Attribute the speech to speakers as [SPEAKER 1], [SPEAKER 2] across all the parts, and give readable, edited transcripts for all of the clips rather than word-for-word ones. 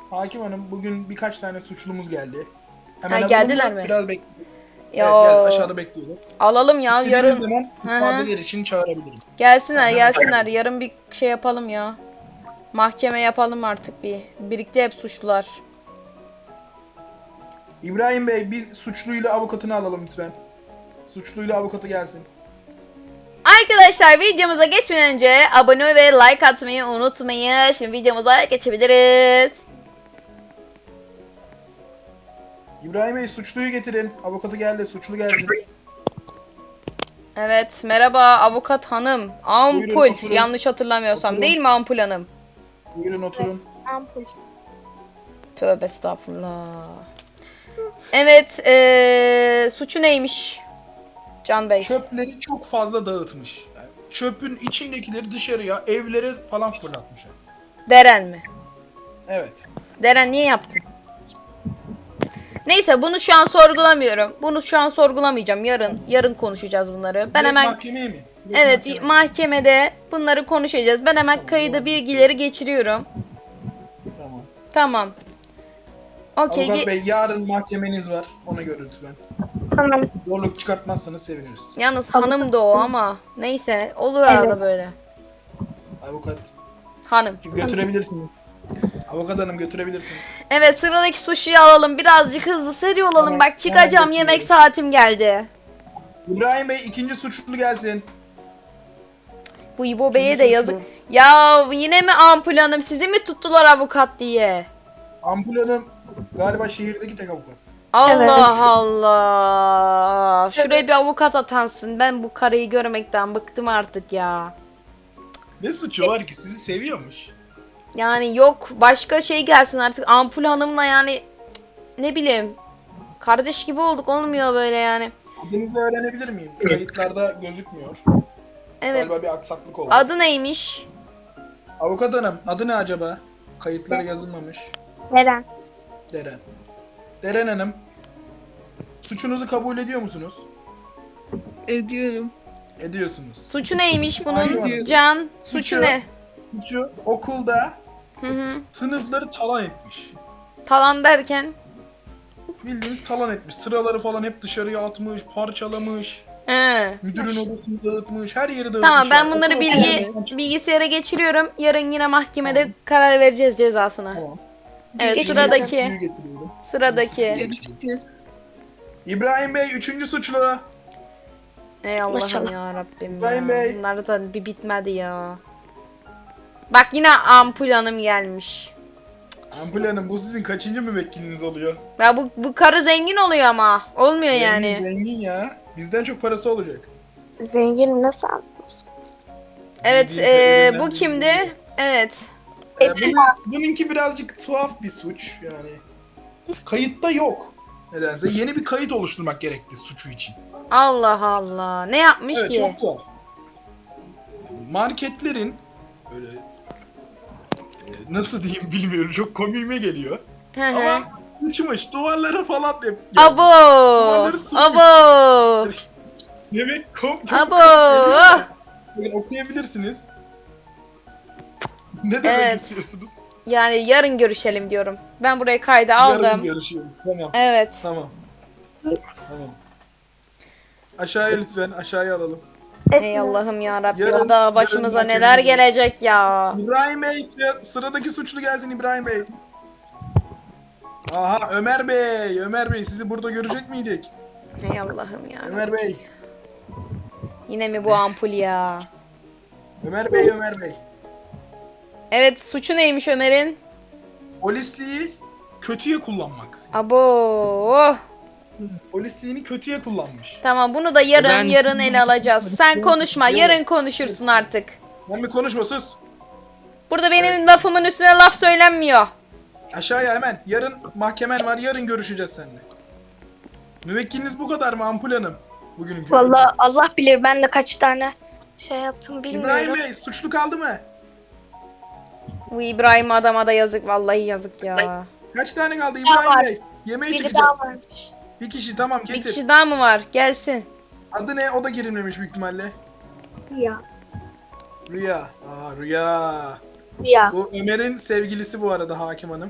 [SPEAKER 1] Hakim Hanım bugün birkaç tane suçlumuz geldi.
[SPEAKER 2] Ha,
[SPEAKER 1] Hemen alalım
[SPEAKER 2] geldiler
[SPEAKER 1] mı?
[SPEAKER 2] mi?
[SPEAKER 1] Biraz bekleyelim.
[SPEAKER 2] Ya
[SPEAKER 1] Evet geldi, aşağıda bekliyorum.
[SPEAKER 2] alalım ya
[SPEAKER 1] İstediğiniz
[SPEAKER 2] yarın.
[SPEAKER 1] zaman
[SPEAKER 2] Hı hı.
[SPEAKER 1] ifadeler için çağırabilirim.
[SPEAKER 2] Gelsinler
[SPEAKER 1] Tamam, hemen
[SPEAKER 2] gelsinler.
[SPEAKER 1] çağırıyorum.
[SPEAKER 2] Yarın bir şey yapalım ya. Mahkeme yapalım artık bir. Birlikte hep suçlular.
[SPEAKER 1] İbrahim Bey bir suçluyla avukatını alalım lütfen. Suçluyla avukatı gelsin.
[SPEAKER 2] Arkadaşlar videomuza geçmeden önce abone ve like atmayı unutmayın. Şimdi videomuza geçebiliriz.
[SPEAKER 1] İbrahim Bey suçluyu getirin. Avukatı geldi, suçlu gelsin.
[SPEAKER 2] Evet merhaba avukat hanım. Ampul
[SPEAKER 1] Buyurun, oturun.
[SPEAKER 2] yanlış hatırlamıyorsam
[SPEAKER 1] Oturun.
[SPEAKER 2] değil mi Ampul hanım?
[SPEAKER 1] Buyurun oturun.
[SPEAKER 3] Ampul.
[SPEAKER 2] Tövbe estağfurullah. Evet suçu neymiş Can Bey?
[SPEAKER 1] Çöpleri çok fazla dağıtmış. Yani çöpün içindekileri dışarıya, evlere falan fırlatmış.
[SPEAKER 2] Deren mi?
[SPEAKER 1] Evet.
[SPEAKER 2] Deren niye yaptın? Neyse bunu şu an sorgulamıyorum. Bunu şu an sorgulamayacağım. Yarın konuşacağız bunları. Ben
[SPEAKER 1] Direkt
[SPEAKER 2] hemen
[SPEAKER 1] mahkemeye mi? Direkt
[SPEAKER 2] evet
[SPEAKER 1] mahkemeye.
[SPEAKER 2] mahkemede bunları konuşacağız. Ben hemen kayıda bilgileri geçiriyorum.
[SPEAKER 1] Tamam.
[SPEAKER 2] Tamam. Okey.
[SPEAKER 1] Avukat Bey yarın mahkemeniz var. Ona göre lütfen.
[SPEAKER 3] Tamam.
[SPEAKER 1] Zorluk çıkartmazsanız seviniriz.
[SPEAKER 2] Yalnız hanım da o ama neyse olur arada böyle.
[SPEAKER 1] Avukat.
[SPEAKER 2] Hanım.
[SPEAKER 1] Götürebilirsiniz. Avukat hanım götürebilirsiniz.
[SPEAKER 2] Evet sıradaki suçluyu alalım. Birazcık hızlı seri olalım.
[SPEAKER 1] Tamam,
[SPEAKER 2] Bak çıkacağım
[SPEAKER 1] hemen
[SPEAKER 2] yemek
[SPEAKER 1] getiriyorum.
[SPEAKER 2] saatim geldi.
[SPEAKER 1] İbrahim Bey ikinci suçlu gelsin.
[SPEAKER 2] Bu İbo Bey'e de
[SPEAKER 1] suçlu.
[SPEAKER 2] yazık. Ya yine mi Ampul Hanım? Sizi mi tuttular avukat diye?
[SPEAKER 1] Ampul hanım galiba şehirdeki tek avukat.
[SPEAKER 2] Allah
[SPEAKER 3] Evet.
[SPEAKER 2] Allah. Şuraya bir avukat atansın. Ben bu karıyı görmekten bıktım artık ya.
[SPEAKER 1] Ne suçu var ki? Sizi seviyormuş.
[SPEAKER 2] Yani yok başka şey gelsin artık. Ampul Hanım'la yani cık, ne bileyim. Kardeş gibi olduk olmuyor böyle yani.
[SPEAKER 1] Adınızı öğrenebilir miyim? Kayıtlarda gözükmüyor.
[SPEAKER 2] Evet.
[SPEAKER 1] Galiba bir aksaklık oldu.
[SPEAKER 2] Adı neymiş?
[SPEAKER 1] Avukat hanım adı ne acaba? Kayıtlara yazılmamış.
[SPEAKER 3] Neren?
[SPEAKER 1] Deren. Deren hanım. Suçunuzu kabul ediyor musunuz?
[SPEAKER 4] Ediyorum.
[SPEAKER 1] Ediyorsunuz.
[SPEAKER 2] Suçu neymiş bunun?
[SPEAKER 1] Aynen.
[SPEAKER 2] Can. Suçu
[SPEAKER 1] Suçu.
[SPEAKER 2] ne?
[SPEAKER 1] Suçu okulda
[SPEAKER 2] Hı hı.
[SPEAKER 1] sınıfları talan etmiş.
[SPEAKER 2] Talan derken.
[SPEAKER 1] Bildiğiniz talan etmiş. Sıraları falan hep dışarıya atmış, parçalamış.
[SPEAKER 2] He.
[SPEAKER 1] Müdürün odasını dağıtmış, her yeri dağıtmış.
[SPEAKER 2] Tamam ben
[SPEAKER 1] yani.
[SPEAKER 2] bunları
[SPEAKER 1] Okul
[SPEAKER 2] bilgisayara geçiriyorum. Yarın yine mahkemede karar vereceğiz cezasına.
[SPEAKER 1] Tamam.
[SPEAKER 2] Evet
[SPEAKER 1] Geçen
[SPEAKER 2] sıradaki.
[SPEAKER 1] suyu getiriyorum.
[SPEAKER 2] Sıradaki.
[SPEAKER 4] Görüşürüz.
[SPEAKER 1] İbrahim Bey üçüncü suçlu.
[SPEAKER 2] Ey Allah'ım
[SPEAKER 3] Maşallah.
[SPEAKER 2] ya Rabbim
[SPEAKER 1] İbrahim
[SPEAKER 2] ya.
[SPEAKER 1] Bey.
[SPEAKER 2] Bunlar da bir bitmedi ya. Bak yine Ampul Hanım gelmiş.
[SPEAKER 1] Ampul Hanım bu sizin kaçıncı müvekkiliniz oluyor?
[SPEAKER 2] Ya bu karı zengin oluyor ama. Olmuyor yani.
[SPEAKER 1] Zengin ya. Bizden çok parası olacak.
[SPEAKER 3] Zengin nasıl anladınız?
[SPEAKER 2] Evet
[SPEAKER 1] Bildiğin kadarıyla
[SPEAKER 2] bu kimdi? Evet.
[SPEAKER 1] Bununki birazcık tuhaf bir suç yani. Kayıtta yok. Nedense yeni bir kayıt oluşturmak gerekti suçu için.
[SPEAKER 2] Allah Allah. Ne yapmış
[SPEAKER 1] Evet
[SPEAKER 2] ki?
[SPEAKER 1] çok tuhaf. Marketlerin böyle nasıl diyeyim bilmiyorum çok komiğime geliyor.
[SPEAKER 2] Hı hı.
[SPEAKER 1] Ama uçmuş duvarlara falan hep gelmiş.
[SPEAKER 2] Abo.
[SPEAKER 1] Duvarları sürmüş.
[SPEAKER 2] Abo.
[SPEAKER 1] Demek çok
[SPEAKER 2] Abo.
[SPEAKER 1] geliyor. Bakın okuyabilirsiniz. Ne demek
[SPEAKER 2] Evet.
[SPEAKER 1] istiyorsunuz?
[SPEAKER 2] Yani yarın görüşelim diyorum. Ben burayı kayda
[SPEAKER 1] Yarın
[SPEAKER 2] aldım.
[SPEAKER 1] görüşüyoruz. Tamam.
[SPEAKER 2] Evet.
[SPEAKER 1] Tamam. Tamam. Aşağıya lütfen. Aşağıya alalım.
[SPEAKER 2] Ey Allah'ım ya Rabbi.
[SPEAKER 1] Yarın-
[SPEAKER 2] Daha başımıza
[SPEAKER 1] yarın
[SPEAKER 2] neler
[SPEAKER 1] mahkememiz var.
[SPEAKER 2] gelecek ya.
[SPEAKER 1] İbrahim Bey sıradaki suçlu gelsin İbrahim Bey. Aha Ömer Bey. Ömer Bey sizi burada görecek miydik?
[SPEAKER 2] Ey Allah'ım ya.
[SPEAKER 1] Ömer Bey.
[SPEAKER 2] Yine mi bu ampul ya?
[SPEAKER 1] Ömer Bey. Ömer Bey.
[SPEAKER 2] Evet suçu neymiş Ömer'in?
[SPEAKER 1] Polisliği kötüye kullanmak.
[SPEAKER 2] Abo.
[SPEAKER 1] Polisliğini kötüye kullanmış.
[SPEAKER 2] Tamam bunu da yarın
[SPEAKER 4] Ben-
[SPEAKER 2] ele alacağız. Sen konuşma yarın konuşursun artık.
[SPEAKER 1] Ben bir konuşma sus.
[SPEAKER 2] Burada benim lafımın üstüne laf söylenmiyor.
[SPEAKER 1] Aşağıya hemen. Yarın mahkemen var. Yarın görüşeceğiz seninle. Müvekkiliniz bu kadar mı Ampul Hanım? Bugünkü.
[SPEAKER 3] Vallahi Allah bilir ben de kaç tane şey yaptım
[SPEAKER 1] İbrahim
[SPEAKER 3] bilmiyorum.
[SPEAKER 1] Bey suçlu kaldı mı?
[SPEAKER 2] Bu İbrahim adama da yazık vallahi yazık ya.
[SPEAKER 1] Kaç tane kaldı
[SPEAKER 3] daha
[SPEAKER 1] İbrahim
[SPEAKER 3] var.
[SPEAKER 1] Bey? Yemeğe
[SPEAKER 3] Biri
[SPEAKER 1] çıkacağız.
[SPEAKER 3] daha varmış.
[SPEAKER 1] Bir kişi tamam
[SPEAKER 2] Bir
[SPEAKER 1] getir.
[SPEAKER 2] kişi daha mı var? Gelsin.
[SPEAKER 1] Adı ne? O da girilmemiş büyük ihtimalle.
[SPEAKER 3] Ya.
[SPEAKER 1] Rüya. Aa Rüya.
[SPEAKER 3] Ya.
[SPEAKER 1] Bu Ömer'in sevgilisi bu arada Hakim Hanım.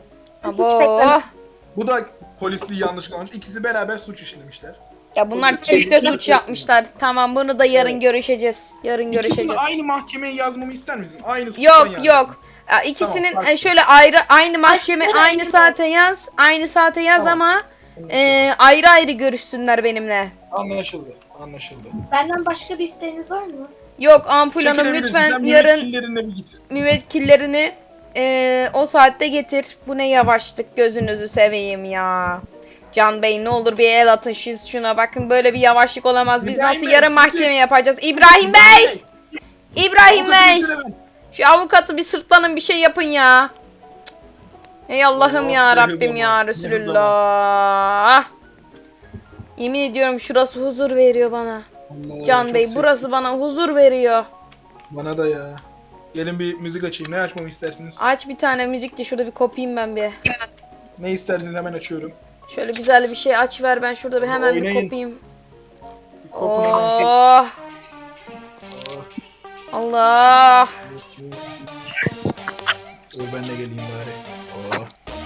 [SPEAKER 2] Abo.
[SPEAKER 1] Bu da polisliği yanlış kalmış. İkisi beraber suç işlemişler.
[SPEAKER 2] Ya bunlar
[SPEAKER 1] Polis-
[SPEAKER 2] çifte suç yapmışlar. Tamam bunu da yarın görüşeceğiz. Yarın
[SPEAKER 1] İkisini
[SPEAKER 2] görüşeceğiz.
[SPEAKER 1] aynı mahkemeye yazmamı ister misin? Aynı suçtan
[SPEAKER 2] Yok
[SPEAKER 1] yani.
[SPEAKER 2] yok. Ya, İkisinin
[SPEAKER 1] Tamam, farklı.
[SPEAKER 2] şöyle ayrı aynı mahkeme
[SPEAKER 3] Başka
[SPEAKER 2] aynı
[SPEAKER 3] aynı
[SPEAKER 2] saate yaz. Aynı saate yaz
[SPEAKER 1] Tamam.
[SPEAKER 2] ama ayrı ayrı görüşsünler benimle.
[SPEAKER 1] Anlaşıldı. Anlaşıldı.
[SPEAKER 3] Benden başka bir isteğiniz var mı?
[SPEAKER 2] Yok Ampul Hanım
[SPEAKER 1] Çekilebilirsin.
[SPEAKER 2] lütfen
[SPEAKER 1] Sen
[SPEAKER 2] yarın
[SPEAKER 1] müvekkillerine bir git.
[SPEAKER 2] müvekkillerini o saatte getir. Bu ne yavaşlık gözünüzü seveyim ya. Can Bey ne olur bir el atın şuna bakın böyle bir yavaşlık olamaz. Biz
[SPEAKER 1] İbrahim
[SPEAKER 2] nasıl
[SPEAKER 1] Bey,
[SPEAKER 2] yarın mahkeme yapacağız? İbrahim Bey! İbrahim Bey! Şu avukatı bir sırtlanın bir şey yapın ya. Ey Allah'ım
[SPEAKER 1] Oh,
[SPEAKER 2] ya
[SPEAKER 1] ne
[SPEAKER 2] Rabbim
[SPEAKER 1] zaman,
[SPEAKER 2] ya
[SPEAKER 1] ne
[SPEAKER 2] Resulullah. Yemin ediyorum şurası huzur veriyor bana.
[SPEAKER 1] Allah,
[SPEAKER 2] Can
[SPEAKER 1] çok
[SPEAKER 2] Bey
[SPEAKER 1] sessiz.
[SPEAKER 2] burası bana huzur veriyor.
[SPEAKER 1] Bana da ya. Gelin bir müzik açayım. Ne açmamı istersiniz?
[SPEAKER 2] Aç bir tane müzik de şurada bir kopayım ben bir.
[SPEAKER 1] Ne istersiniz hemen açıyorum.
[SPEAKER 2] Şöyle güzel bir şey aç ver ben şurada bir hemen bir
[SPEAKER 1] Oynayın.
[SPEAKER 2] kopayım.
[SPEAKER 1] Bir kopun hemen siz.
[SPEAKER 2] Oh. Allah.
[SPEAKER 1] Ben de geleyim bari. Oh.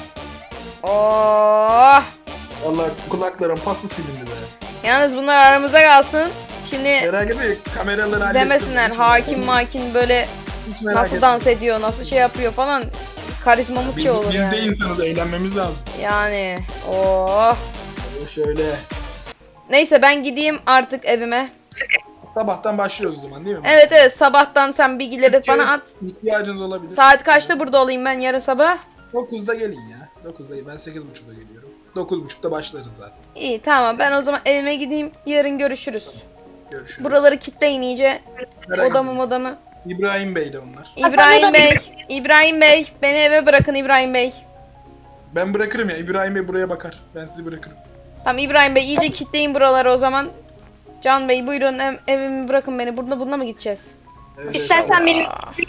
[SPEAKER 2] Oh.
[SPEAKER 1] Allah kulaklarım pası silindi be.
[SPEAKER 2] Yalnız bunlar aramızda kalsın. Şimdi
[SPEAKER 1] Merak etme kameraları hallettim.
[SPEAKER 2] demesinler
[SPEAKER 1] Hiç
[SPEAKER 2] hakim
[SPEAKER 1] merak
[SPEAKER 2] makin böyle
[SPEAKER 1] etme. Hiç merak
[SPEAKER 2] nasıl
[SPEAKER 1] etme.
[SPEAKER 2] dans ediyor, nasıl şey yapıyor falan. Karizmamız
[SPEAKER 1] Biz,
[SPEAKER 2] şey olur
[SPEAKER 1] biz
[SPEAKER 2] yani.
[SPEAKER 1] de insanız eğlenmemiz lazım.
[SPEAKER 2] Yani oh.
[SPEAKER 1] Şöyle.
[SPEAKER 2] Neyse ben gideyim artık evime.
[SPEAKER 1] Sabahtan başlıyoruz o zaman değil mi?
[SPEAKER 2] Evet evet sabahtan sen bilgileri bana at.
[SPEAKER 1] İhtiyacınız olabilir.
[SPEAKER 2] Saat kaçta burada olayım ben yarın sabah?
[SPEAKER 1] 9'da gelin ya. 9'da gelin. Ben 8.30'da geliyorum. 9.30'da başlarız zaten.
[SPEAKER 2] İyi tamam ben o zaman evime gideyim. Yarın görüşürüz.
[SPEAKER 1] Görüşürüz.
[SPEAKER 2] Buraları kilitleyin iyice.
[SPEAKER 1] Merak
[SPEAKER 2] Odamı
[SPEAKER 1] etmeyin.
[SPEAKER 2] odamı.
[SPEAKER 1] İbrahim Bey de onlar.
[SPEAKER 2] İbrahim Bey. İbrahim Bey. Beni eve bırakın İbrahim Bey.
[SPEAKER 1] Ben bırakırım ya. İbrahim Bey buraya bakar. Ben sizi bırakırım.
[SPEAKER 2] Tamam İbrahim Bey iyice kilitleyin buraları o zaman. Can Bey buyurun evimi bırakın beni. Bununla mı gideceğiz?
[SPEAKER 1] Evet,
[SPEAKER 3] İstersen benim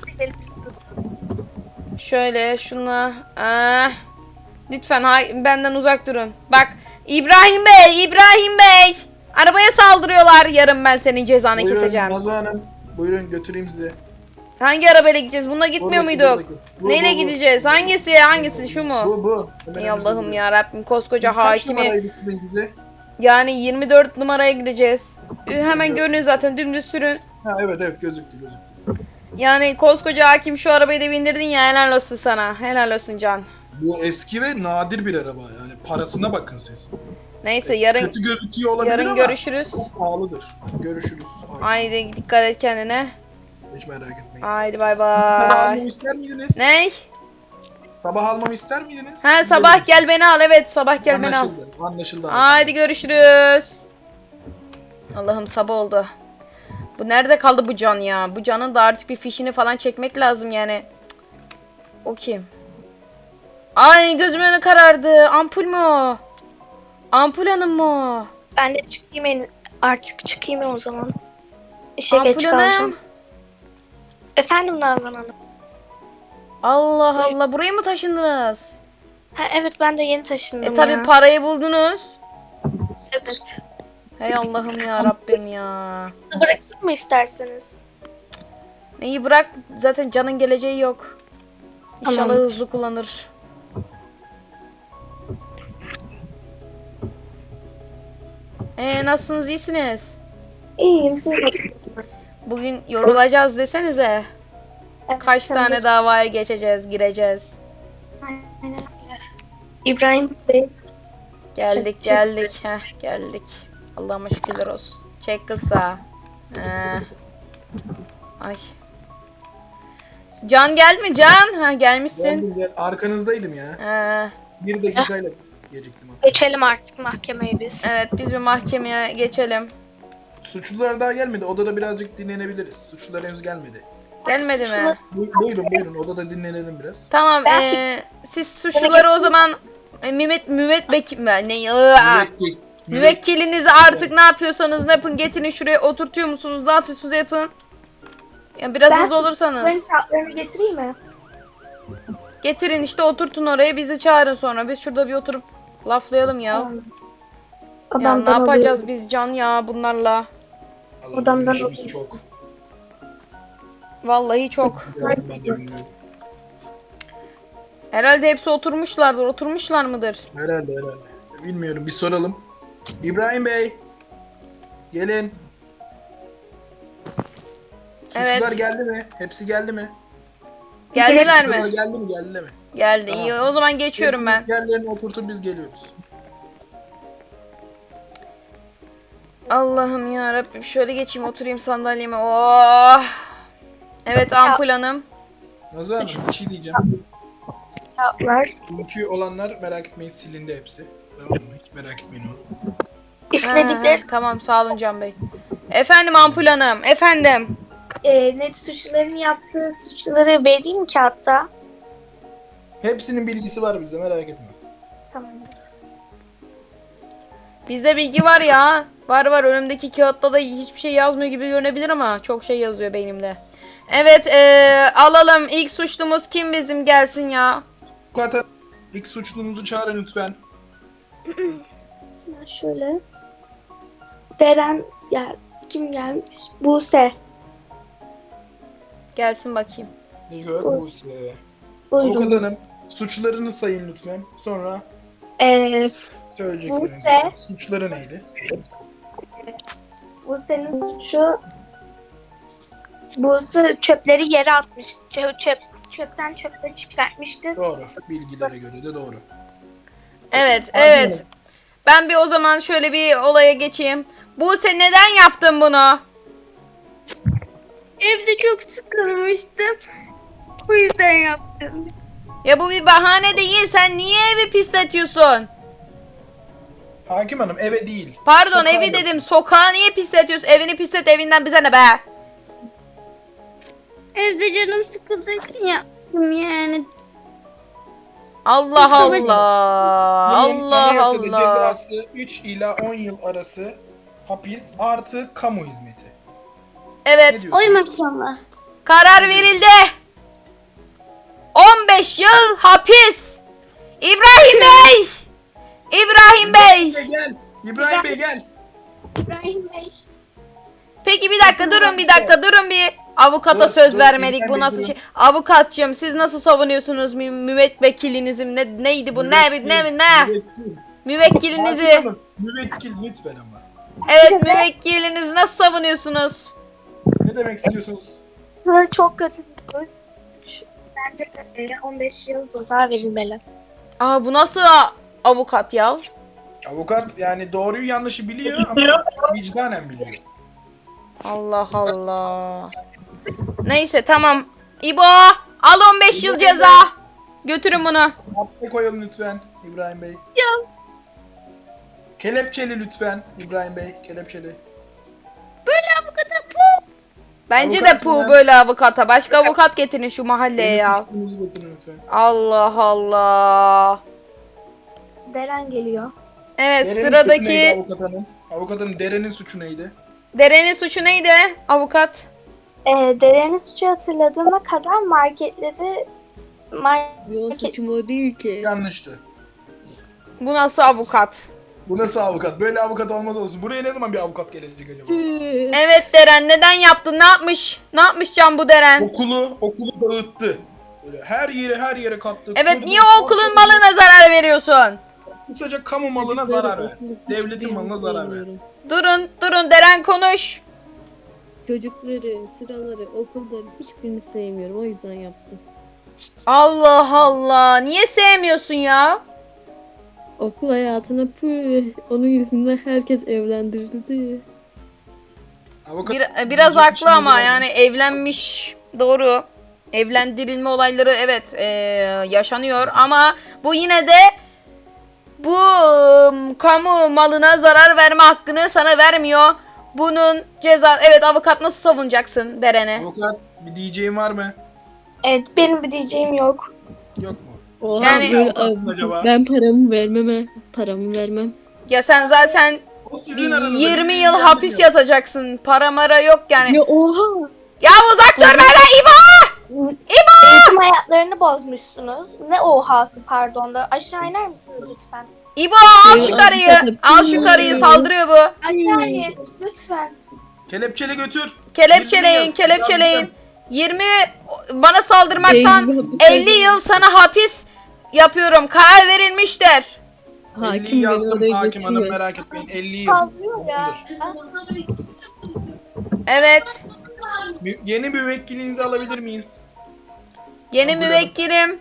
[SPEAKER 2] Şöyle şuna. Lütfen benden uzak durun. Bak İbrahim Bey, İbrahim Bey. Arabaya saldırıyorlar. Yarın ben senin cezanı
[SPEAKER 1] Buyurun
[SPEAKER 2] keseceğim.
[SPEAKER 1] Nazo Hanım. Buyurun götüreyim sizi.
[SPEAKER 2] Hangi arabayla gideceğiz? Bununla gitmiyor
[SPEAKER 1] Buradaki,
[SPEAKER 2] muyduk?
[SPEAKER 1] buradaki. Bu,
[SPEAKER 2] Neyle
[SPEAKER 1] bu, bu.
[SPEAKER 2] gideceğiz? Hangisi? Hangisi? Şu mu?
[SPEAKER 1] Bu. Hemen
[SPEAKER 2] Ey
[SPEAKER 1] önünüzde
[SPEAKER 2] Allah'ım
[SPEAKER 1] duruyor.
[SPEAKER 2] ya Rabbim koskoca
[SPEAKER 1] Kaç
[SPEAKER 2] hakimi.
[SPEAKER 1] numaraydı sizinkisi?
[SPEAKER 2] Yani 24 numaraya gideceğiz. Hemen görünüyor zaten dümdüz sürün.
[SPEAKER 1] Ha evet gözüktü.
[SPEAKER 2] Yani koskoca hakim şu arabayı da bindirdin ya helal olsun sana. Helal olsun Can.
[SPEAKER 1] Bu eski ve nadir bir araba yani parasına bakın siz.
[SPEAKER 2] Neyse yarın
[SPEAKER 1] Kötü gözüküyor olabilir
[SPEAKER 2] yarın
[SPEAKER 1] ama
[SPEAKER 2] görüşürüz.
[SPEAKER 1] çok pahalıdır. Görüşürüz.
[SPEAKER 2] Haydi dikkat et kendine.
[SPEAKER 1] Hiç merak etmeyin.
[SPEAKER 2] Haydi bay
[SPEAKER 1] Sabah
[SPEAKER 2] bay.
[SPEAKER 1] almamı ister miydiniz?
[SPEAKER 2] Ney?
[SPEAKER 1] Sabah almamı ister miydiniz?
[SPEAKER 2] Ha sabah gel beni al evet sabah gel beni al.
[SPEAKER 1] Anlaşıldı.
[SPEAKER 2] Haydi görüşürüz. Allah'ım sabah oldu. Bu nerede kaldı bu Can ya? Bu Can'ın da artık bir fişini falan çekmek lazım yani. Cık. O kim? Ay gözümün önü karardı. Ampul mu o? Ampul Hanım mı o?
[SPEAKER 3] ben de çıkayım artık çıkayım o zaman. İşe
[SPEAKER 2] Ampul
[SPEAKER 3] geç
[SPEAKER 2] Hanım.
[SPEAKER 3] kalacağım. Efendim Nazan Hanım.
[SPEAKER 2] Allah Allah buraya mı taşındınız?
[SPEAKER 3] Ha, evet ben de yeni taşındım
[SPEAKER 2] Tabi
[SPEAKER 3] ya.
[SPEAKER 2] parayı buldunuz.
[SPEAKER 3] Evet.
[SPEAKER 2] Hey Allah'ım ya Rabbim ya.
[SPEAKER 3] Bırakayım mı isterseniz?
[SPEAKER 2] Neyi bırak zaten Can'ın geleceği yok. İnşallah
[SPEAKER 3] Tamam.
[SPEAKER 2] hızlı kullanır. Nasılsınız iyisiniz?
[SPEAKER 3] İyiyim siz de.
[SPEAKER 2] Bugün yorulacağız desenize.
[SPEAKER 3] Evet,
[SPEAKER 2] Kaç
[SPEAKER 3] sen
[SPEAKER 2] tane
[SPEAKER 3] de.
[SPEAKER 2] davaya gireceğiz.
[SPEAKER 3] Aynen öyle. İbrahim Bey.
[SPEAKER 2] Geldik. Geldik. Allah'ıma şükürler olsun. Çek kısa. Ay. Can geldi mi Can? Ha gelmişsin.
[SPEAKER 1] Geldim. Arkanızdaydım ya.
[SPEAKER 2] Ha,
[SPEAKER 1] 1 dakikayla geciktim.
[SPEAKER 3] Geçelim artık mahkemeye biz.
[SPEAKER 2] evet biz bir mahkemeye geçelim.
[SPEAKER 1] Suçlular daha gelmedi. Odada birazcık dinlenebiliriz. Suçlular henüz gelmedi.
[SPEAKER 2] Gelmedi mi?
[SPEAKER 1] Buyurun odada dinlenelim biraz.
[SPEAKER 2] Tamam siz suçluları o zaman müvekkilinizi artık ne yapıyorsanız ne yapın getirin şuraya oturtuyor musunuz ne yapıyorsunuz yapın. Ya biraz hızlı olursanız.
[SPEAKER 3] Benim kağıtlarımı getireyim mi?
[SPEAKER 2] Getirin işte oturtun oraya bizi çağırın sonra biz şurada bir oturup laflayalım ya. Ya ne
[SPEAKER 3] Odamdan
[SPEAKER 2] yapacağız biz Can ya bunlarla.
[SPEAKER 1] Allah
[SPEAKER 3] Odamdan
[SPEAKER 1] işimiz
[SPEAKER 3] alayım.
[SPEAKER 1] çok.
[SPEAKER 2] Vallahi çok.
[SPEAKER 1] Ben de bilmiyorum.
[SPEAKER 2] Herhalde hepsi oturmuşlardır. Oturmuşlar mıdır?
[SPEAKER 1] Herhalde. Bilmiyorum, bir soralım. İbrahim Bey. Gelin.
[SPEAKER 2] Evet.
[SPEAKER 1] Suçlular geldi mi? Hepsi geldi mi?
[SPEAKER 2] Geldiler
[SPEAKER 1] Suçlular
[SPEAKER 2] mi?
[SPEAKER 1] geldi mi? Geldi mi?
[SPEAKER 2] Geldi.
[SPEAKER 1] Tamam.
[SPEAKER 2] İyi. O zaman geçiyorum ben.
[SPEAKER 1] Yerlerine oturtup biz geliyoruz.
[SPEAKER 2] Allah'ım ya Rabbim, şöyle geçeyim, oturayım sandalyeme. Oh. Evet Ampul Hanım.
[SPEAKER 1] Nazlı Hanım, bir şey diyeceğim.
[SPEAKER 3] Kağıtlar.
[SPEAKER 1] Dünkü olanlar merak etmeyin, silindi hepsi. Tamam mı? Hiç merak etmeyin onu.
[SPEAKER 3] İşledikleri
[SPEAKER 2] Tamam, sağ olun Can Bey. Efendim Ampul Hanım. Efendim.
[SPEAKER 3] net suçluların yaptığı suçları vereyim kağıtta.
[SPEAKER 1] Hepsinin bilgisi var bizde, merak etme.
[SPEAKER 3] Tamam.
[SPEAKER 2] Bizde bilgi var ya. Var. Önümdeki kağıtta da hiçbir şey yazmıyor gibi görünebilir ama çok şey yazıyor beynimde. Evet, alalım. İlk suçlumuz kim bizim, gelsin ya.
[SPEAKER 1] Avukat, ilk suçlumuzu çağırın lütfen.
[SPEAKER 3] Şöyle. Deren ya kim gelmiş? Buse.
[SPEAKER 2] Gelsin bakayım.
[SPEAKER 1] Nikol Buse.
[SPEAKER 3] Buyurun.
[SPEAKER 1] Avukat hanım, suçlarını sayın lütfen. Sonra söyleyeceklerinizi.
[SPEAKER 3] Buse.
[SPEAKER 1] Suçları neydi?
[SPEAKER 3] Buse'nin suçu Buse çöpleri yere atmış. Çöpten çöpleri çıkartmıştı.
[SPEAKER 1] Doğru. Bilgilere göre de doğru.
[SPEAKER 2] Evet,
[SPEAKER 1] Hadi
[SPEAKER 2] evet.
[SPEAKER 1] bakalım.
[SPEAKER 2] Ben bir o zaman şöyle bir olaya geçeyim. Buse, neden yaptın bunu?
[SPEAKER 4] Evde çok sıkılmıştım. Bu yüzden yaptım.
[SPEAKER 2] Ya bu bir bahane değil. Sen niye evi pisletiyorsun?
[SPEAKER 1] Hakim hanım, eve değil.
[SPEAKER 2] Pardon,
[SPEAKER 1] Sokağa
[SPEAKER 2] evi
[SPEAKER 1] yok.
[SPEAKER 2] dedim. Sokağı niye pisletiyorsun? Evini pislet, evinden bize ne be?
[SPEAKER 4] Evde canım sıkıldığı için yaptım yani.
[SPEAKER 2] Allah
[SPEAKER 4] Savaş-
[SPEAKER 2] Allah.
[SPEAKER 1] Bunun
[SPEAKER 2] Allah
[SPEAKER 1] anayasada
[SPEAKER 2] Allah.
[SPEAKER 1] cezası 3 ila 10 yıl arası hapis artı kamu hizmeti. Ne
[SPEAKER 2] Evet,
[SPEAKER 1] diyorsun?
[SPEAKER 4] Oy maşallah.
[SPEAKER 2] karar verildi. 15 yıl hapis. İbrahim Bey. İbrahim Bey.
[SPEAKER 1] Gel. İbrahim Bey gel.
[SPEAKER 3] İbrahim Bey.
[SPEAKER 2] Peki bir dakika durun, durun bir. Avukata
[SPEAKER 1] Dur,
[SPEAKER 2] söz
[SPEAKER 1] dur,
[SPEAKER 2] vermedik.
[SPEAKER 1] İbrahim
[SPEAKER 2] Bu
[SPEAKER 1] Bey,
[SPEAKER 2] nasıl
[SPEAKER 1] durun.
[SPEAKER 2] şey? Avukatçım, siz nasıl savunuyorsunuz müvekkilinizi? Neydi bu? Ne?
[SPEAKER 1] Müvekkil.
[SPEAKER 2] Müvekkilinizi.
[SPEAKER 1] Hakim hanım, müvekkil lütfen ama.
[SPEAKER 2] Evet, müvekkilinizi nasıl savunuyorsunuz?
[SPEAKER 1] Ne demek istiyorsunuz?
[SPEAKER 3] Bu çok kötü bir suç. Bence 15 yıl ceza verilmeli.
[SPEAKER 2] Aa, bu nasıl avukat ya?
[SPEAKER 1] Avukat yani doğruyu yanlışı biliyor ama vicdanen biliyor.
[SPEAKER 2] Allah Allah. Neyse tamam. İbo, al 15 yıl ceza. Götürün bunu.
[SPEAKER 1] Hapse koyalım lütfen İbrahim Bey.
[SPEAKER 4] Ya.
[SPEAKER 1] Kelepçeli lütfen İbrahim Bey. Kelepçeli.
[SPEAKER 4] Böyle avukata pu.
[SPEAKER 2] Bence
[SPEAKER 1] Avukat
[SPEAKER 2] de pu
[SPEAKER 1] mı?
[SPEAKER 2] böyle avukata. Başka avukat getirin şu mahalleye ya.
[SPEAKER 1] Suçlunuzu getirin lütfen.
[SPEAKER 2] Allah Allah.
[SPEAKER 3] Deren geliyor.
[SPEAKER 2] Evet,
[SPEAKER 1] Deren'in suçu neydi
[SPEAKER 2] sıradaki
[SPEAKER 1] avukat hanım? Avukat hanım, Deren'in suçu neydi?
[SPEAKER 2] Deren'in suçu neydi avukat?
[SPEAKER 3] Deren'in suçu hatırladığıma kadar marketleri
[SPEAKER 4] Yo, saçım o değil ki.
[SPEAKER 1] Yanlıştı.
[SPEAKER 2] Bu nasıl avukat?
[SPEAKER 1] Bu nasıl avukat? Böyle avukat olmaz olsun. Buraya ne zaman bir avukat gelecek acaba?
[SPEAKER 2] Evet Deren, neden yaptın? Ne yapmış? Ne yapmış Can bu Deren?
[SPEAKER 1] Okulu dağıttı. Böyle her yere kattı.
[SPEAKER 2] Evet,
[SPEAKER 1] Kırdı,
[SPEAKER 2] niye o okulun
[SPEAKER 1] parçaladı.
[SPEAKER 2] malına zarar veriyorsun?
[SPEAKER 1] Kısaca kamu malına zarar ver. Devletin malına zarar ver.
[SPEAKER 2] Durun Deren konuş.
[SPEAKER 5] Çocukları, sıraları, okulları hiçbirini sevmiyorum. O yüzden yaptım.
[SPEAKER 2] Allah Allah. Niye sevmiyorsun ya?
[SPEAKER 5] Okul hayatına onun yüzünden herkes evlendirildi.
[SPEAKER 1] Avukat
[SPEAKER 2] Biraz
[SPEAKER 1] diyecek bir
[SPEAKER 2] haklı
[SPEAKER 1] şeyiniz
[SPEAKER 2] ama
[SPEAKER 1] var mı?
[SPEAKER 2] yani evlenmiş, doğru. Evlendirilme olayları evet yaşanıyor ama bu yine de bu kamu malına zarar verme hakkını sana vermiyor. Bunun ceza, evet avukat, nasıl savunacaksın Deren'i?
[SPEAKER 1] Avukat bir diyeceğin var mı?
[SPEAKER 3] Evet, benim bir diyeceğim yok.
[SPEAKER 1] Yok mu?
[SPEAKER 5] Oha,
[SPEAKER 2] Yani-
[SPEAKER 5] böyle
[SPEAKER 1] Avukatsın acaba?
[SPEAKER 5] ben paramı vermem.
[SPEAKER 2] Ya sen zaten
[SPEAKER 1] O sizin
[SPEAKER 2] bir
[SPEAKER 1] aranızda,
[SPEAKER 2] 20
[SPEAKER 1] bizi
[SPEAKER 2] yıl hapis
[SPEAKER 1] ilgilendirmiyor.
[SPEAKER 2] yatacaksın. Para mara yok yani.
[SPEAKER 5] Ya oha!
[SPEAKER 2] Ya uzak dur benden İbo!
[SPEAKER 3] Eğitim hayatlarını bozmuşsunuz. Ne ohası pardon da. Aşağı iner misiniz lütfen?
[SPEAKER 2] İbo al şu karıyı. Al şu karıyı, saldırıyor bu.
[SPEAKER 3] Aşağı in lütfen.
[SPEAKER 1] Kelepçeli götür.
[SPEAKER 2] Kelepçeleyin,
[SPEAKER 1] 20 yıl.
[SPEAKER 2] kelepçeleyin. 20 bana saldırmaktan
[SPEAKER 5] Eyvah, bir
[SPEAKER 2] 50 yıl sana hapis. yapıyorum. Karar verilmiştir.
[SPEAKER 1] 50'yi
[SPEAKER 5] Hakim beni
[SPEAKER 1] yazdım
[SPEAKER 5] oraya
[SPEAKER 1] hakim hanım,
[SPEAKER 5] götürüyor.
[SPEAKER 1] merak etmeyin. 50'yi yazdım.
[SPEAKER 3] Kaldırıyor ya.
[SPEAKER 1] Tamamdır.
[SPEAKER 2] Evet.
[SPEAKER 1] Yeni müvekkilinizi alabilir miyiz?
[SPEAKER 2] Yeni
[SPEAKER 1] Kabul
[SPEAKER 2] müvekkilim.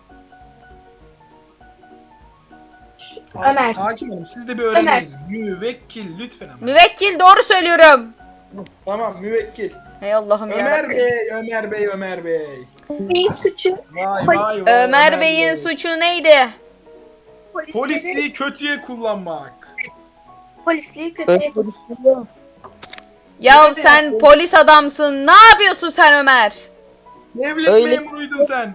[SPEAKER 3] Ömer.
[SPEAKER 1] Hakim hanım siz de bir öğrenmeniz. Müvekkil lütfen ama.
[SPEAKER 2] Müvekkil doğru söylüyorum.
[SPEAKER 1] Tamam müvekkil.
[SPEAKER 2] Hey Allah'ım
[SPEAKER 1] Ömer
[SPEAKER 2] yarabbim.
[SPEAKER 1] Bey, Ömer Bey, Ömer Bey.
[SPEAKER 3] Bir suçu
[SPEAKER 1] Vay vay vay.
[SPEAKER 2] Ömer Bey'in
[SPEAKER 1] Bey.
[SPEAKER 2] suçu neydi?
[SPEAKER 1] Polisliği kötüye kullanmak.
[SPEAKER 3] polisliği kötüye
[SPEAKER 2] Ya
[SPEAKER 1] Ne
[SPEAKER 2] sen
[SPEAKER 1] yapıyorsun?
[SPEAKER 2] polis adamsın. Ne yapıyorsun sen Ömer?
[SPEAKER 1] Devlet
[SPEAKER 6] Öyle-
[SPEAKER 1] memuruydun sen.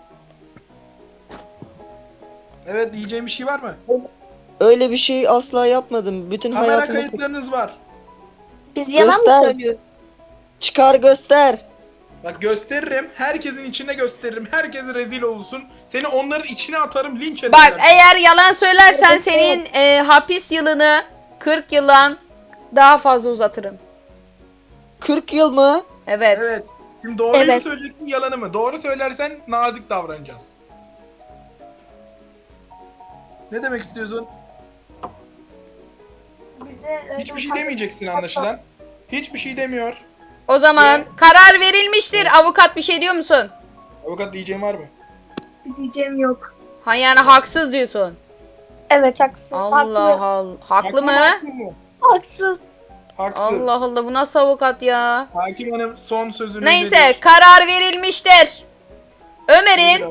[SPEAKER 1] Evet diyeceğim bir şey var mı?
[SPEAKER 6] Öyle bir şey asla yapmadım. Bütün
[SPEAKER 1] Kamera
[SPEAKER 6] hayatımı
[SPEAKER 1] kayıtlarınız var.
[SPEAKER 3] Biz yalan mı
[SPEAKER 6] Göster.
[SPEAKER 3] söylüyoruz?
[SPEAKER 6] çıkar göster.
[SPEAKER 1] Bak gösteririm. Herkesin içine gösteririm. Herkes rezil olsun. Seni onların içine atarım. Linç ederler.
[SPEAKER 2] Bak eğer yalan söylersen senin hapis yılını 40 yıldan daha fazla uzatırım.
[SPEAKER 6] 40 yıl mı?
[SPEAKER 2] Evet.
[SPEAKER 1] Evet. Şimdi doğruyu mu
[SPEAKER 3] Evet.
[SPEAKER 1] söyleyeceksin yalanı mı? Doğru söylersen nazik davranacağız. Ne demek istiyorsun?
[SPEAKER 3] Bize öyle
[SPEAKER 1] Hiçbir şey
[SPEAKER 3] ufak-
[SPEAKER 1] demeyeceksin anlaşılan. Hiçbir şey demiyor.
[SPEAKER 2] O zaman
[SPEAKER 1] Ne?
[SPEAKER 2] karar verilmiştir. Avukat bir şey diyor musun?
[SPEAKER 1] Avukat diyeceğim var mı?
[SPEAKER 3] Diyeceğim yok.
[SPEAKER 2] Ha yani haksız diyorsun.
[SPEAKER 3] Evet haksız.
[SPEAKER 2] Allah
[SPEAKER 3] Haklı.
[SPEAKER 2] Allah. Haklı mı?
[SPEAKER 1] Haksız mı?
[SPEAKER 3] Haksız.
[SPEAKER 1] Haksız.
[SPEAKER 2] Allah Allah bu nasıl avukat ya?
[SPEAKER 1] Hakim hanım son sözünü
[SPEAKER 2] Neyse
[SPEAKER 1] nedir?
[SPEAKER 2] karar verilmiştir. Ömer'in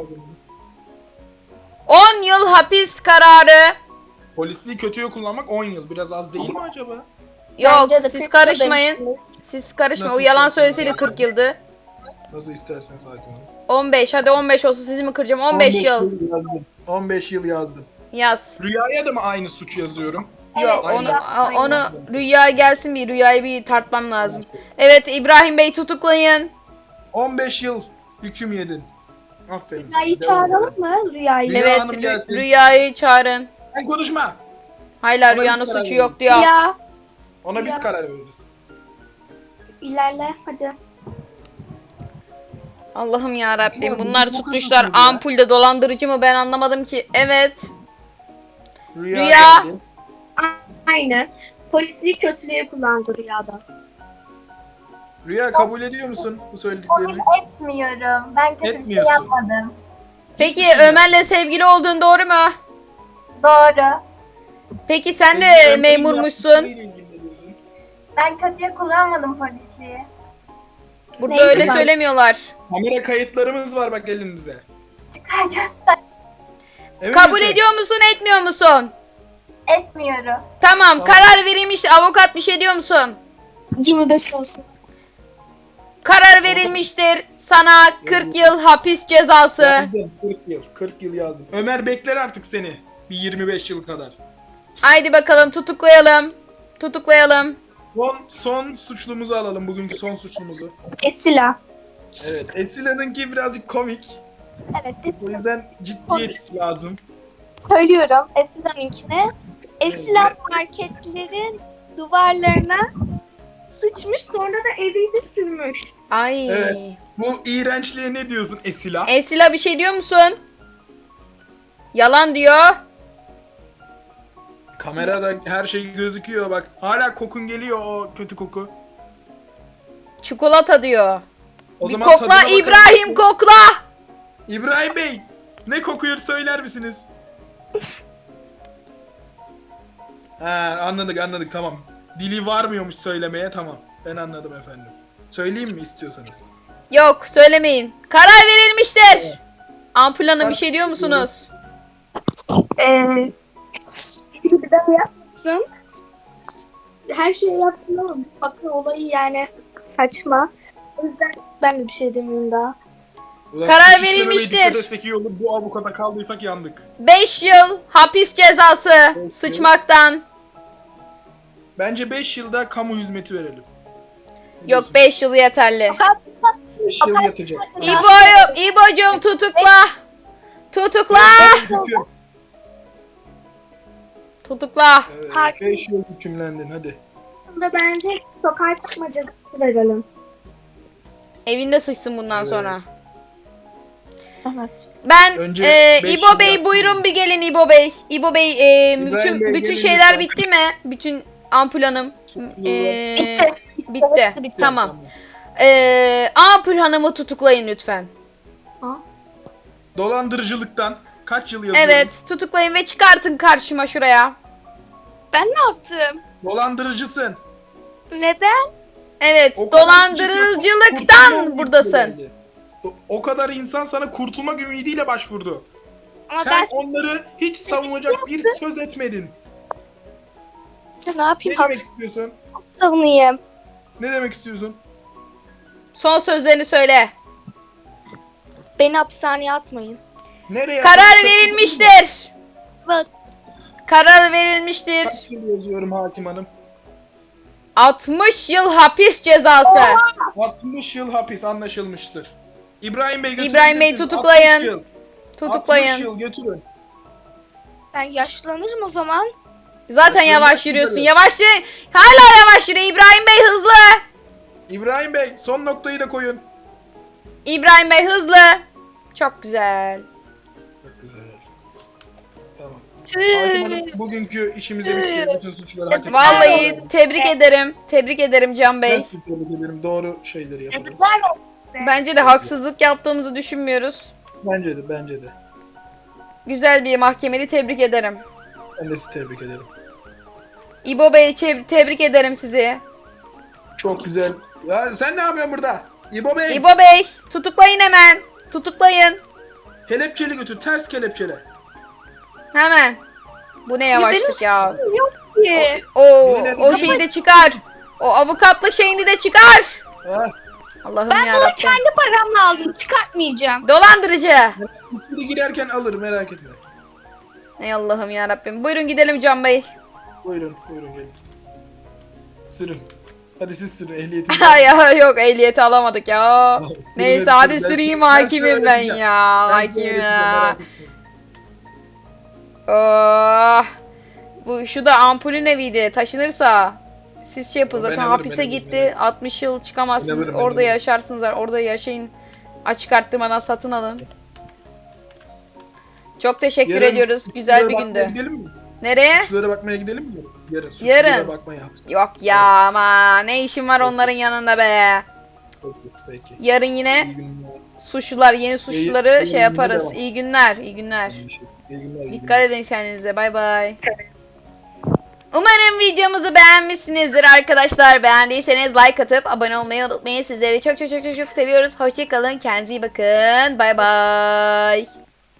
[SPEAKER 2] 10 yıl hapis kararı.
[SPEAKER 1] Polisliği kötüye kullanmak 10 yıl. Biraz az değil mi acaba?
[SPEAKER 2] Yok
[SPEAKER 3] Bence de 40
[SPEAKER 2] siz
[SPEAKER 3] yıl
[SPEAKER 2] karışmayın.
[SPEAKER 3] demiştiniz.
[SPEAKER 2] Siz karışmayın. O
[SPEAKER 1] Nasıl
[SPEAKER 2] yalan
[SPEAKER 1] istersen.
[SPEAKER 2] söyleseydi 40 yıldı.
[SPEAKER 1] Nasıl isterseniz hakim hanım.
[SPEAKER 2] 15 hadi 15 olsun sizi mi kıracağım? 15 yıl
[SPEAKER 1] yazdım. 15 yıl yazdım.
[SPEAKER 2] yaz.
[SPEAKER 1] Rüyaya da mı aynı suç yazıyorum?
[SPEAKER 2] Yok
[SPEAKER 1] Aynen.
[SPEAKER 2] onu Rüya gelsin bir Rüyayı bir tartmam lazım. Evet İbrahim Bey tutuklayın.
[SPEAKER 1] 15 yıl hüküm yedin. Aferin
[SPEAKER 3] Rüyayı
[SPEAKER 1] sana. Devam
[SPEAKER 3] çağıralım
[SPEAKER 1] edelim.
[SPEAKER 3] mı? Rüyayı.
[SPEAKER 1] Rüya
[SPEAKER 2] Evet
[SPEAKER 1] Hanım gelsin.
[SPEAKER 2] Rüyayı çağırın.
[SPEAKER 1] Sen konuşma.
[SPEAKER 2] Hayır
[SPEAKER 1] Ona
[SPEAKER 2] Rüyanın
[SPEAKER 1] biz karar
[SPEAKER 2] suçu
[SPEAKER 1] verelim.
[SPEAKER 2] yok diyor.
[SPEAKER 3] Rüya.
[SPEAKER 1] Ona biz
[SPEAKER 3] Rüya.
[SPEAKER 1] karar veririz.
[SPEAKER 3] İlerle hadi.
[SPEAKER 2] Allah'ım ya Rabbim
[SPEAKER 1] Ulan
[SPEAKER 2] bunlar
[SPEAKER 1] biz bu
[SPEAKER 2] tutmuşlar
[SPEAKER 1] kadar mıyız ya?
[SPEAKER 2] ampulde dolandırıcı mı ben anlamadım ki. Evet.
[SPEAKER 1] Rüya.
[SPEAKER 2] Rüya.
[SPEAKER 1] geldi.
[SPEAKER 3] Aynen. Polisliği kötülüğe kullandı rüyada.
[SPEAKER 1] Rüya kabul ediyor musun bu söylediklerini?
[SPEAKER 3] Etmiyorum. Ben kötü bir şey
[SPEAKER 1] Etmiyorsun.
[SPEAKER 3] yapmadım.
[SPEAKER 2] Peki
[SPEAKER 1] Hiçbir şey
[SPEAKER 2] Ömer'le sevgili olduğun doğru mu?
[SPEAKER 3] Doğru.
[SPEAKER 2] Peki sen de
[SPEAKER 1] Ömer'in
[SPEAKER 2] memurmuşsun.
[SPEAKER 1] yaptıklarıyla ilgileniyorsun.
[SPEAKER 3] Ben kötüye kullanmadım polisliği.
[SPEAKER 2] Burada
[SPEAKER 3] Neyse
[SPEAKER 2] öyle
[SPEAKER 3] ben-
[SPEAKER 2] söylemiyorlar.
[SPEAKER 1] Kamera kayıtlarımız var bak elimizde.
[SPEAKER 3] Çıkar göster.
[SPEAKER 1] Emin
[SPEAKER 2] Kabul
[SPEAKER 1] misin?
[SPEAKER 2] ediyor musun etmiyor musun?
[SPEAKER 3] Etmiyorum.
[SPEAKER 2] Tamam karar verilmiş avukat bir şey diyor musun?
[SPEAKER 3] 25 olsun.
[SPEAKER 2] Karar verilmiştir. Sana 40 yıl hapis cezası.
[SPEAKER 1] Yazdım 40 yıl. 40 yıl yazdım. Ömer bekler artık seni. Bir 25 yıl kadar.
[SPEAKER 2] Haydi bakalım tutuklayalım. Tutuklayalım.
[SPEAKER 1] Son suçlumuzu alalım. Bugünkü son suçlumuzu.
[SPEAKER 3] Esila.
[SPEAKER 1] Evet. Esila'nınki birazcık komik.
[SPEAKER 3] Evet
[SPEAKER 1] O
[SPEAKER 3] Esila.
[SPEAKER 1] yüzden ciddiyet lazım.
[SPEAKER 3] Söylüyorum Esila'nınkine. Esila
[SPEAKER 1] Evet.
[SPEAKER 3] marketlerin duvarlarına sıçmış sonra da eliyle sürmüş.
[SPEAKER 2] Ay.
[SPEAKER 1] Evet. Bu iğrençliğe ne diyorsun Esila?
[SPEAKER 2] Esila bir şey diyor musun? Yalan diyor.
[SPEAKER 1] Kamerada her şey gözüküyor bak. Hala kokun geliyor o kötü koku.
[SPEAKER 2] Çikolata diyor.
[SPEAKER 1] O
[SPEAKER 2] Bir
[SPEAKER 1] zaman
[SPEAKER 2] kokla
[SPEAKER 1] tadına bakalım.
[SPEAKER 2] İbrahim kokla.
[SPEAKER 1] İbrahim Bey ne kokuyor söyler misiniz? Ha anladık tamam. Dili varmıyormuş söylemeye tamam. Ben anladım efendim. Söyleyeyim mi istiyorsanız?
[SPEAKER 2] Yok söylemeyin. Karar verilmiştir. Ampul Hanım bir şey diyor musunuz?
[SPEAKER 3] Bir daha yapsın. Her şeyi yapsın ama bakın olayı yani saçma. O yüzden ben de bir şey demiyorum daha.
[SPEAKER 1] Ulan
[SPEAKER 2] Karar
[SPEAKER 1] suç işlememeye
[SPEAKER 2] verilmiştir.
[SPEAKER 1] Dikkat etsek iyi olur. Bu avukata kaldıysak yandık.
[SPEAKER 2] 5 yıl hapis cezası sıçmaktan.
[SPEAKER 1] Bence 5 yılda kamu hizmeti verelim. Ne
[SPEAKER 2] Yok 5 yıl yeterli.
[SPEAKER 1] diyorsun? 5 yıl yatacak.
[SPEAKER 2] İbo'cum tutukla. Tutukla.
[SPEAKER 1] Tutuyorum.
[SPEAKER 2] Tutukla.
[SPEAKER 1] Evet, 5 yıl hükümlendin hadi.
[SPEAKER 3] Aslında bence sokağa çıkma cezası verelim.
[SPEAKER 2] Evinde sıçsın bundan
[SPEAKER 1] Evet.
[SPEAKER 2] sonra.
[SPEAKER 3] Evet.
[SPEAKER 2] Ben
[SPEAKER 1] Önce beş
[SPEAKER 2] İbo
[SPEAKER 1] yıl
[SPEAKER 2] Bey
[SPEAKER 1] yatsın.
[SPEAKER 2] buyurun bir gelin İbo Bey. İbo Bey
[SPEAKER 1] İbrahim Bey,
[SPEAKER 2] bütün
[SPEAKER 1] gelin
[SPEAKER 2] şeyler
[SPEAKER 1] lütfen.
[SPEAKER 2] bitti mi? Bütün ampul hanım.
[SPEAKER 3] Bitti.
[SPEAKER 2] Bitti.
[SPEAKER 3] Hepsi bitti.
[SPEAKER 2] Tamam. Ampul hanımı tutuklayın lütfen.
[SPEAKER 1] Dolandırıcılıktan kaç yıl yazıyorum?
[SPEAKER 2] Evet tutuklayın ve çıkartın karşıma şuraya.
[SPEAKER 3] Ben ne yaptım?
[SPEAKER 1] Dolandırıcısın.
[SPEAKER 3] Neden?
[SPEAKER 2] Evet
[SPEAKER 1] O kadar kişi sana kurtulma
[SPEAKER 2] dolandırıcılıktan
[SPEAKER 1] ümidiyle
[SPEAKER 2] buradasın.
[SPEAKER 1] geldi. O kadar insan sana kurtulmak ümidiyle başvurdu.
[SPEAKER 3] Ama
[SPEAKER 1] Sen
[SPEAKER 3] ben
[SPEAKER 1] onları hiç savunacak bir söz etmedin.
[SPEAKER 3] ne
[SPEAKER 1] Ne
[SPEAKER 3] yapayım?
[SPEAKER 1] demek istiyorsun?
[SPEAKER 3] Savunayım.
[SPEAKER 1] Ne demek istiyorsun?
[SPEAKER 2] Son sözlerini söyle.
[SPEAKER 3] Beni hapishaneye atmayın.
[SPEAKER 1] Nereye?
[SPEAKER 2] Karar
[SPEAKER 1] atıyorsun?
[SPEAKER 2] verilmiştir.
[SPEAKER 3] Bak.
[SPEAKER 2] Karar verilmiştir.
[SPEAKER 1] Kaç yıl yazıyorum hakim hanım?
[SPEAKER 2] 60 yıl hapis cezası.
[SPEAKER 1] 60 yıl hapis anlaşılmıştır. İbrahim Bey götürün.
[SPEAKER 2] İbrahim Bey,
[SPEAKER 1] götürün.
[SPEAKER 2] tutuklayın.
[SPEAKER 1] 60 yıl. 60
[SPEAKER 2] Tutuklayın.
[SPEAKER 1] yıl götürün.
[SPEAKER 3] Ben yaşlanırım o zaman.
[SPEAKER 2] Zaten
[SPEAKER 1] Yaşlanmak
[SPEAKER 2] yavaş yürüyorsun.
[SPEAKER 1] üzere.
[SPEAKER 2] Yavaş yürü. Hala yavaş yürü. İbrahim Bey hızlı.
[SPEAKER 1] İbrahim Bey son noktayı da koyun.
[SPEAKER 2] İbrahim Bey hızlı. Çok güzel.
[SPEAKER 1] Çok güzel. Tamam. Hakim hanım bugünkü işimizde bitti. Bütün suçları hak ettik.
[SPEAKER 2] Vallahi tebrik ederim. Tebrik ederim Can Bey.
[SPEAKER 1] Ben sizi tebrik ederim. Doğru şeyleri yapalım.
[SPEAKER 2] Bence de haksızlık yaptığımızı düşünmüyoruz.
[SPEAKER 1] Bence de, bence de.
[SPEAKER 2] Güzel bir mahkemeli tebrik ederim.
[SPEAKER 1] Ben de sizi tebrik ederim.
[SPEAKER 2] İbo Bey tebrik ederim sizi.
[SPEAKER 1] Çok güzel. Ya sen ne yapıyorsun burada? İbo Bey.
[SPEAKER 2] İbo Bey tutuklayın hemen. Tutuklayın.
[SPEAKER 1] Kelepçeli götür. Ters kelepçele.
[SPEAKER 2] Hemen. Bu ne yavaşlık ya.
[SPEAKER 3] Yok ki.
[SPEAKER 2] O şeyi de çıkar. O avukatlık şeyini de çıkar.
[SPEAKER 1] Ha,
[SPEAKER 2] Allah'ım
[SPEAKER 3] Ben bunu
[SPEAKER 2] yarabbim.
[SPEAKER 3] kendi paramla aldım. Çıkartmayacağım.
[SPEAKER 2] Dolandırıcı.
[SPEAKER 1] biri girerken alır merak etme.
[SPEAKER 2] Ey Allah'ım yarabbim. Buyurun gidelim Can Bey.
[SPEAKER 1] Buyurun, buyurun gelin. Sürün. Hadi siz sürün ehliyetini.
[SPEAKER 2] Ya yok ehliyeti alamadık ya.
[SPEAKER 1] Sürün,
[SPEAKER 2] Neyse
[SPEAKER 1] hadi
[SPEAKER 2] hadi
[SPEAKER 1] sürün.
[SPEAKER 2] süreyim
[SPEAKER 1] Ben size
[SPEAKER 2] hakimim ben
[SPEAKER 1] öğreteceğim.
[SPEAKER 2] ya.
[SPEAKER 1] Ben size
[SPEAKER 2] Hakimim
[SPEAKER 1] öğreteceğim,
[SPEAKER 2] ya.
[SPEAKER 1] merak etmeyin.
[SPEAKER 2] Oh. Bu şu da ampulün eviydi. Taşınırsa siz şey yapın
[SPEAKER 1] Ben
[SPEAKER 2] zaten
[SPEAKER 1] alırım,
[SPEAKER 2] hapise
[SPEAKER 1] ben alırım,
[SPEAKER 2] gitti.
[SPEAKER 1] ben
[SPEAKER 2] 60 yıl çıkamazsınız.
[SPEAKER 1] Ben alırım, ben
[SPEAKER 2] Orada
[SPEAKER 1] alırım.
[SPEAKER 2] yaşarsınız. Orada yaşayın. Açık arttırmadan satın alın. Çok teşekkür
[SPEAKER 1] Yarın
[SPEAKER 2] ediyoruz. Güzel bir
[SPEAKER 1] suçlulara bakmaya
[SPEAKER 2] gündü.
[SPEAKER 1] Gidelim mi?
[SPEAKER 2] Nereye?
[SPEAKER 1] Suçlulara bakmaya gidelim mi? Yarın. Suçlulara
[SPEAKER 2] Yarın.
[SPEAKER 1] bakmaya hapse.
[SPEAKER 2] Yok ya ama ne işin var onların yanında be.
[SPEAKER 1] Peki, peki.
[SPEAKER 2] Yarın yine
[SPEAKER 1] İyi günler.
[SPEAKER 2] suçlular, yeni suçluları
[SPEAKER 1] yayın
[SPEAKER 2] şey
[SPEAKER 1] yine
[SPEAKER 2] yaparız.
[SPEAKER 1] devam.
[SPEAKER 2] İyi günler, iyi günler.
[SPEAKER 1] İyi günler. iyi
[SPEAKER 2] Dikkat
[SPEAKER 1] günler.
[SPEAKER 2] edin kendinize. Bay bay. Umarım videomuzu beğenmişsinizdir arkadaşlar. Beğendiyseniz like atıp abone olmayı unutmayın. Sizleri çok çok çok çok çok seviyoruz. Hoşçakalın. Kendinize iyi bakın. Bay bay.